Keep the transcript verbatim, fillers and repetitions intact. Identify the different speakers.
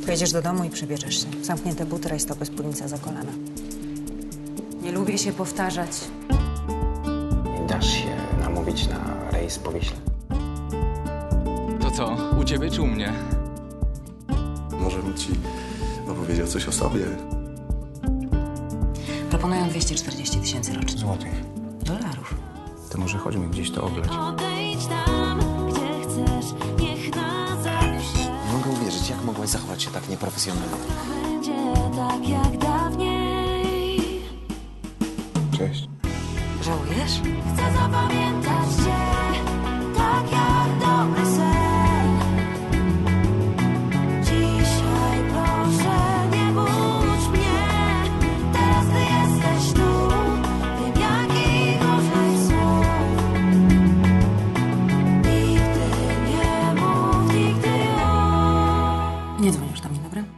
Speaker 1: Pojedziesz do domu i przebierzesz się. Zamknięte buty, rajstopy, spódnica za kolana. Nie lubię się powtarzać.
Speaker 2: Nie dasz się namówić na rejs po Wiśle?
Speaker 3: To co, u ciebie czy u mnie?
Speaker 4: Może bym ci opowiedział coś o sobie.
Speaker 1: Proponują dwieście czterdzieści tysięcy rocznie.
Speaker 2: Złotych.
Speaker 1: Dolarów.
Speaker 2: To może chodźmy gdzieś to oglać.
Speaker 5: Odejdź tam, gdzie chcesz, niech na zawsze
Speaker 6: Nie mogę uwierzyć, jak mogłaś zachować się tak nieprofesjonalnie.
Speaker 5: będzie tak jak dawniej.
Speaker 4: Cześć.
Speaker 1: Żałujesz?
Speaker 5: Chcę zapamiętać cię, tak jak dobry sen. Dzisiaj proszę, nie budź mnie. Teraz ty jesteś tu, wiem jakich różnych słów. Nigdy nie mów, nigdy o.
Speaker 1: Nie dzwonisz do mnie, dobra?